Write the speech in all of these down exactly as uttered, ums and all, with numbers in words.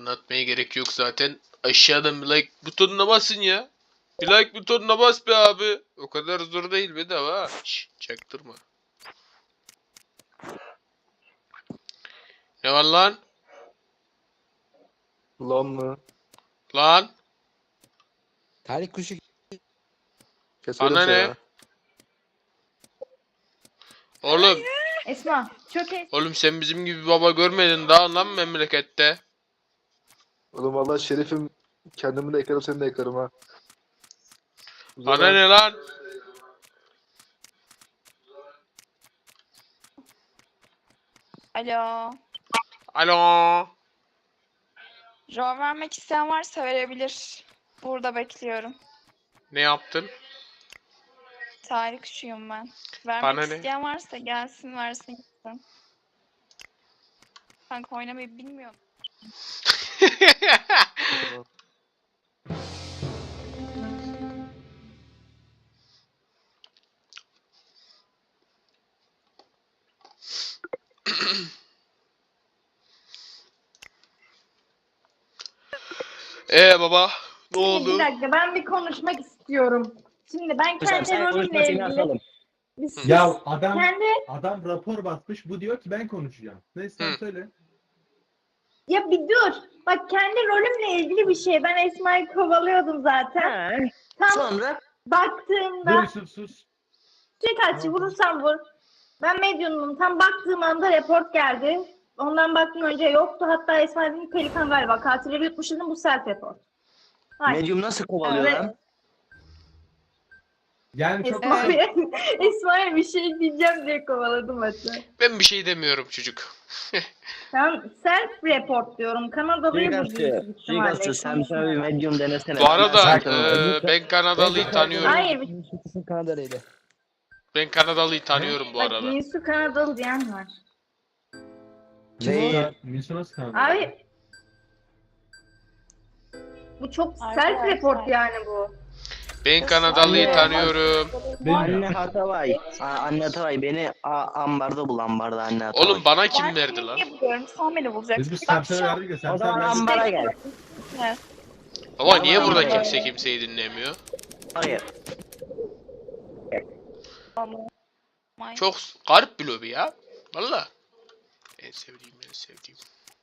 Anlatmaya gerek yok zaten. Aşağıdan bir like butonuna basın ya. Bir like butonuna bas be abi. O kadar zor değil bedava ha. Şşş, çaktırma. Ne var lan? Lan mı? Lan? Tarih kuşu Keserim Bana seni ne? ha. Oğlum, Esma çok es. oğlum sen bizim gibi baba görmedin daha lan memlekette. Oğlum valla şerifim, kendimi de yakarım seni de yakarım ha. O Bana zaman- ne lan? Alo. Alo. Rol vermek isteyen varsa verebilir. Burada bekliyorum. Ne yaptın? Tarih kuşuyum ben. Vermek Bana ne? isteyen varsa gelsin versin gitsin. Kanka oynamayı bilmiyorum. Ee baba, ne Bir oldu? dakika ben bir konuşmak istiyorum. Şimdi ben Hocam kendi sen konuşma rolümle seni ilgili asalım. bir sus. Ya adam Kendi adam rapor basmış. Bu diyor ki ben konuşacağım. Neyse sen Hı. söyle. ya bir dur. Bak kendi rolümle ilgili bir şey. Ben Esma'yı kovalıyordum zaten. He. Tam Sonra baktığımda Dur sus sus. suikastçı vurursan vur. Ben medyumum. Tam baktığım anda report geldi. Ondan baktım önce yoktu. Hatta Esma dedim Pelikan galiba. Katilleri yutmuş dedim bu self report. Hayır. medyum nasıl kovalıyor Evet. lan? Yani çok Esma'ya Esma'ya bir şey diyeceğim diye kovaladım hatta. Ben bir şey demiyorum çocuk. Ben self report diyorum. Kanadalıyı bu Suikastçı, suikastçı sen sana bir medyum denesene. Bu arada Sen- eee, ben Kanadalıyı tanıyorum. Hayır. Kesin Kanadalıydı. Ben Kanadalıyı tanıyorum bu Bak arada. Nisu Kanadalı diyen var. Ne? Milsu nasıl kandı? Abi bu çok self Arkadaşlar. report yani bu. Ben Kanadalıyı Anne. tanıyorum. Benim Anne ya. Hatavay. Aa, Anne Hatavay beni a, ambarda bul ambarda anne Hatavay. Oğlum bana Ben kim seni verdi lan? niye buluyorum? Sen beni bulacaksın. Biz bir Bak serseri şu an- verdik ya O zaman serseri verdik. ambara gel. Evet. Ama niye Yalan burada söyle. kimse kimseyi dinlemiyor? Hayır. May- Çok garip bir lobi ya. Valla. En sevdiğim en sevdiğim.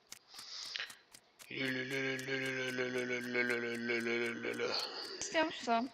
İstiyor musun?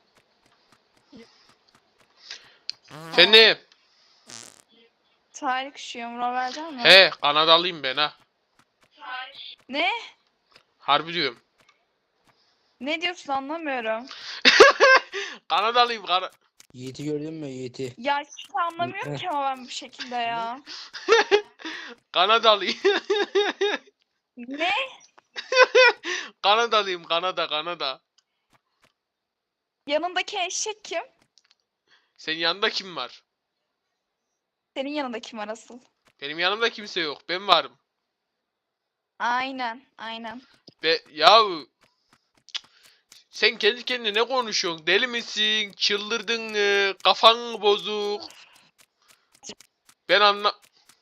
Efendim. Tarih kuşuyum. Rol verecek mi? He Kanadalıyım ben ha. Ne? Harbi diyorum. Ne diyorsun anlamıyorum. Kanadalıyım Kana Yiğit'i gördün mü Yiğit'i? Ya hiç anlamıyorum ki ama ben bu şekilde ya. Kanadalıyım. Ne? Kanadalıyım Kanada Kanada. Yanındaki eşek kim? Senin yanında kim var? Senin yanında kim var asıl? Benim yanımda kimse yok. Ben varım. Aynen, aynen. Ve yahu sen kendi kendine ne konuşuyorsun? Deli misin? Çıldırdın mı? Kafan mı bozuk? Ben anla...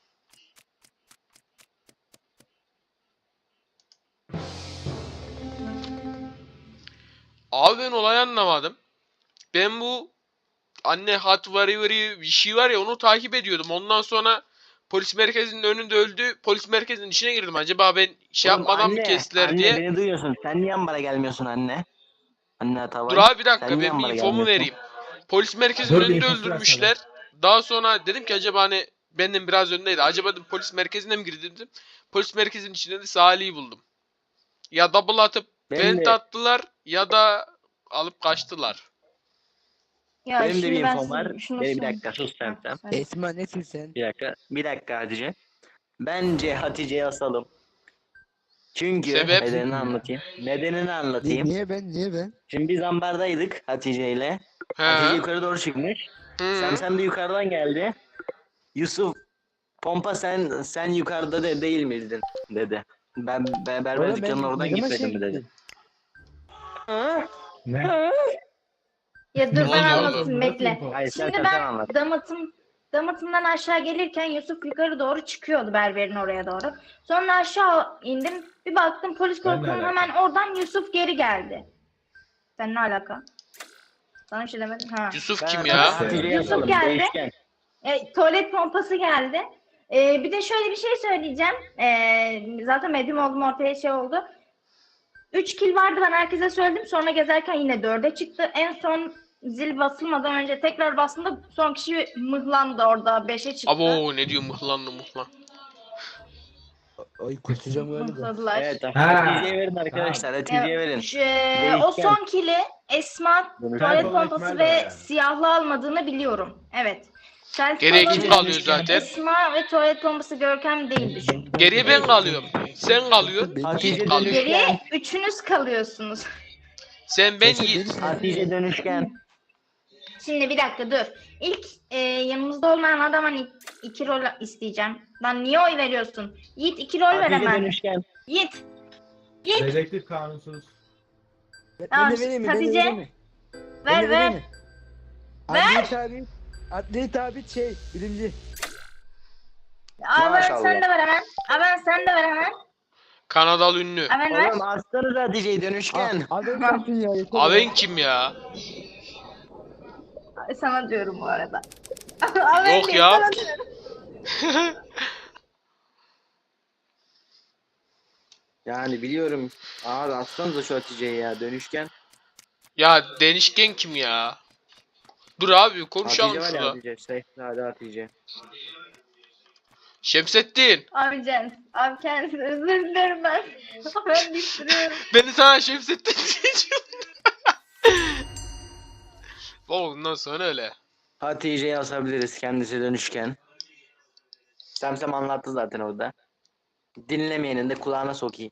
Abi ben olayı anlamadım. Ben bu anne hat vari vari bir şey var ya onu takip ediyordum. Ondan sonra polis merkezinin önünde öldü. Polis merkezinin içine girdim. Acaba ben şey Oğlum yapmadan mı anne, kestiler anne, diye. beni duyuyorsun. Sen niye ambara gelmiyorsun anne? Anne Hatavay. Dur abi bir dakika Sen niye ben bir ambara infomu gelmiyorsun? vereyim. Polis merkezinin Dur bir önünde infosu versene. öldürmüşler. Daha sonra dedim ki acaba hani benden biraz öndeydi. Acaba dedim polis merkezine mi girdi dedim. Polis merkezinin içinde de Salih'i buldum. Ya double atıp Benim vent de- attılar ya da alıp kaçtılar. Ya Benim de şimdi bir ben infom size var. şunu Beni bir söyleyeyim. dakika sus sen sen. Söyle. Esma nesin sen? Bir dakika. Bir dakika Hatice. Bence Hatice'yi asalım. Çünkü Sebep? nedenini anlatayım. Nedenini Ni- anlatayım. Niye ben? Niye ben? Şimdi biz ambardaydık Hatice ile. He. Hatice yukarı doğru çıkmış. Hı. Sen sen de yukarıdan geldi. Yusuf Pompa sen sen yukarıda de değil miydin dedi. Ben, ben berber Oğlum ben dükkanının oradan ne zaman gitmedim mi şey- dedi. Ne? Ya dur Ne ben oluyor anlatayım oğlum? bekle. Nasıl info? Hayır sen Şimdi sen, sen ben anlat. damatım Damıtımdan aşağı gelirken Yusuf yukarı doğru çıkıyordu, berberin oraya doğru. Sonra aşağı indim. Bir baktım polis Ben ne korkunun alaka? hemen oradan Yusuf geri geldi. Sen ne alaka? Sana bir şey demedim. Ha. Yusuf Ben kim Hatice- ya? Hatice'yi Yusuf yazalım, geldi. değişken. E, tuvalet pompası geldi. E, bir de şöyle bir şey söyleyeceğim. E, zaten medyum oldum, ortaya şey oldu. Üç kill vardı, ben herkese söyledim. Sonra gezerken yine dörde çıktı. En son zil basılmadan önce tekrar bastığımda son kişi mıhlandı orada. Beşe çıktı. Abo ne diyor mıhlanlı mıhlan. Ay kusacağım öyle de. Mıhladılar. Evet, Ha. Hatice'ye verin arkadaşlar. Hatice'ye E, verin. şu- e, o Değişken. son kill'i Esma tuvalet Kaybolan pompası ihtimal ve var yani. siyahlı almadığını biliyorum. Evet. Selfie Geriye olabilir. kim kalıyor zaten? Esma ve tuvalet pompası Görkem değildi çünkü. Geriye ben kalıyorum. Sen kalıyorsun. Hatice Yiğit kalıyor. dönüşken. Geriye üçünüz kalıyorsunuz. Sen ben Sen- sen Yiğit. delisin. Hatice dönüşken. Şimdi bir dakika dur. İlk e, yanımızda olmayan adama iki, iki rol isteyeceğim. Lan niye oy veriyorsun? Yiğit iki rol ver Hatice hemen. dönüşken. Yiğit. Yiğit. Dedektif kanunsuz. Ben Tamam, de vereyim mi? Ben de Hatice, vereyim mi? Ben Ver de ver. vereyim mi? Adli tabi. Adli tabi şey bilimci. Abi Maşallah. sen de ver hemen. Abi sen de ver hemen. Kanadalı ünlü. Hemen ver. Oğlum aslanız Hatice'yi dönüşken. Abi ben yaptın ya. yeter ya. Aven kim ya? Sana diyorum bu arada. Abi Yok değil, ya. sana diyorum. Yani biliyorum. Abi aslanız şu Hatice'yi ya dönüşken. Ya denişken kim ya? Dur abi konuşalım Hatice var ya şurada. Hatice. Sehzade Hatice. Şemsettin. Abi Can. Abi kendisi özür dilerim ben. Ben düşürüyorum. Beni sana Şemsettin diyeceğim. Ondan sonra öyle. Hatice'yi asabiliriz kendisi dönüşken. Semsem anlattı zaten orada. Dinlemeyenin de kulağına sokayım.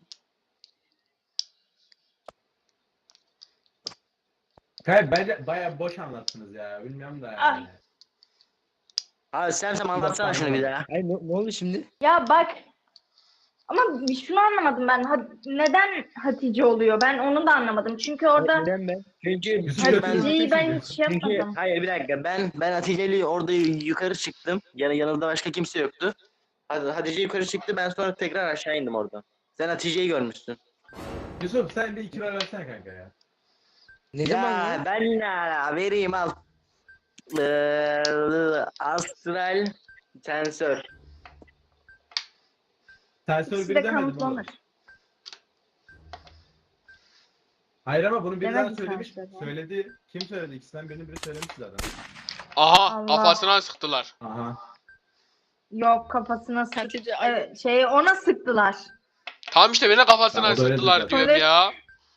Hayır bence baya boş anlattınız ya. Bilmiyorum da yani. Abi Semsem anlatsana şunu bir daha. Ay ne, ne oldu şimdi? Ya bak. Ama şunu anlamadım ben. Ha- neden Hatice oluyor? Ben onu da anlamadım. Çünkü orada Neden ben? Çünkü, Yusuf çünkü ben, Hatice'yi ben hiç şey çünkü yapmadım. hayır bir dakika ben ben Hatice'yle orada yukarı çıktım. Yani yanında başka kimse yoktu. Hadi Hatice yukarı çıktı, ben sonra tekrar aşağı indim oradan. Sen Hatice'yi görmüşsün. Yusuf sen bir iki ver versene kanka ya. Ne zaman Ya ya? ben ne ala vereyim al. Ee, astral tensör. Sensör İkisi bir de demedim oğlum. kanıtlanır. Hayır ama bunu biri daha Demedim söylemiş. sensör ya. Söyledi. Kim söyledi? İkisinden birini biri söylemiş zaten. Aha Allah. kafasına sıktılar. Aha. Yok, kafasına sık. Hatice Evet, şey ona sıktılar. Tamam işte beni kafasına Ya o da öyle sıktılar zaten. diyorum Evet. ya.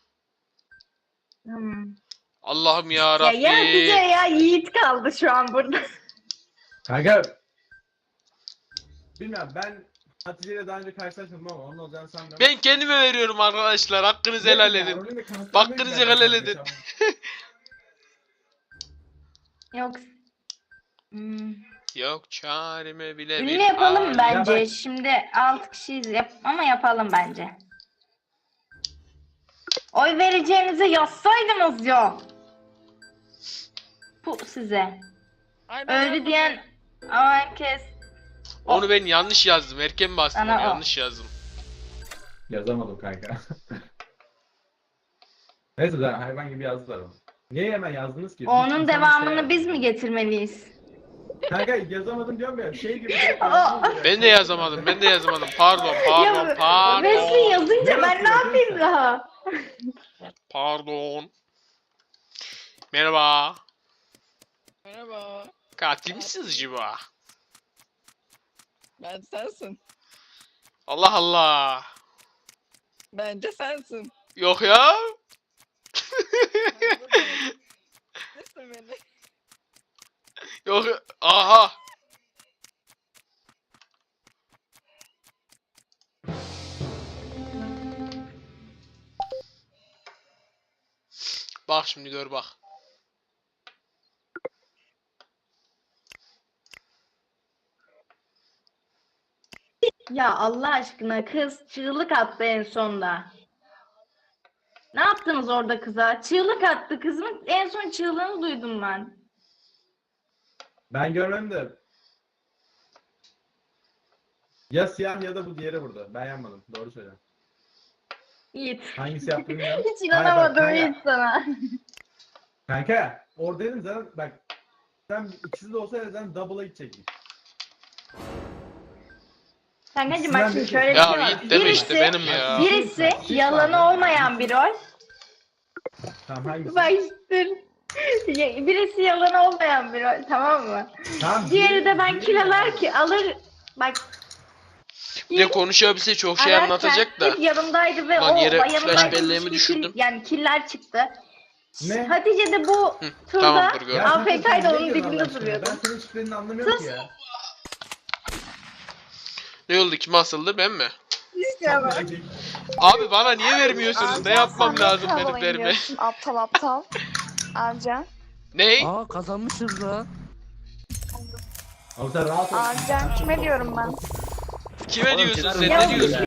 Hmm. Allah'ım ya Ya, ya Hatice Rabbi. ya Yiğit kaldı şu an burada. Kanka. Bilmiyorum ben Hatice'yle daha önce karşılaşmadım ama onun olacağını sanmıyorum. Ben kendime veriyorum arkadaşlar. Hakkınızı helal edin. Hakkınızı helal edin. Yok. Hmm. Yok çareme bile Ünlü bir yapalım hal. bence. Ya bak- Şimdi altı kişiyiz yap ama yapalım bence. Oy vereceğinizi yazsaydınız ya. Bu size. Ay, ben Öldü yapmadım. diyen ama herkes. Onu ben yanlış yazdım. Erken bastım Sana onu o. yanlış yazdım. Yazamadım kanka. Neyse zaten hayvan gibi yazdılar onu. Niye hemen yazdınız ki? Onun İnsan devamını şey biz yazdı. mi getirmeliyiz? Kanka yazamadım diyorum ya şey gibi. direkt Aa. yazdınız ya. Ben de yazamadım. Ben de yazamadım. Pardon, pardon, Ya, pardon. Wesley yazınca Ne ben ne yazıyor, yapayım neyse. daha? Pardon. Merhaba. Merhaba. Katil misiniz acaba? Ben sensin. Allah Allah. Bence sensin. Yok ya. Nesin beni? Yok. Aha. Bak şimdi gör bak. Ya Allah aşkına kız çığlık attı en sonda. Ne yaptınız orada kıza? Çığlık attı kızın en son çığlığını duydum ben. Ben görmem de Ya siyah ya da bu diğeri burada. Ben yanmadım. Doğru söyle. Yiğit. Hangisi yaptığını bilmiyorum. Hiç inanamadım Hayır, bak, Yiğit sana. Kanka oradaydın zaten bak. Sen ikisi de olsaydı zaten double'a gidecektin. Kankacığım bak şimdi şöyle bir Ya şey var. Yiğit deme işte Birisi, benim ya. birisi yalanı olmayan bir rol. Tamam hangisi? Bak işte. Ya, birisi yalanı olmayan bir rol, tamam mı? Tamam, Diğeri de ben diğeri- kilalar ki alır. Bak. Bir de konuşabilse çok şey ararken anlatacak da. hep yanımdaydı ve Lan o yere yanımdaydı, flash belleğimi hiçbir düşürdüm. kill- yani killer çıktı. Ne? Hatice de bu Hı, turda tamamdır, gördüm. Ya A F sen- K'ydı sen ne onun diyorsun Allah dibinde aşkına? duruyordu. Ben senin hiçbirini anlamıyorum ki ya. Ne oldu, kim asıldı, ben mi? İstemem. Abi bana niye vermiyorsunuz? Ne Amca, yapmam sen lazım nasıl hava benim derime? oynuyorsun? Aptal aptal. Amca. Ney? Aa kazanmışız lan. Ama sen rahat ol. Amca. Kime diyorum ben? Kime Oğlum, diyorsun Çınar sen? Bey, Ne Ya diyorsun?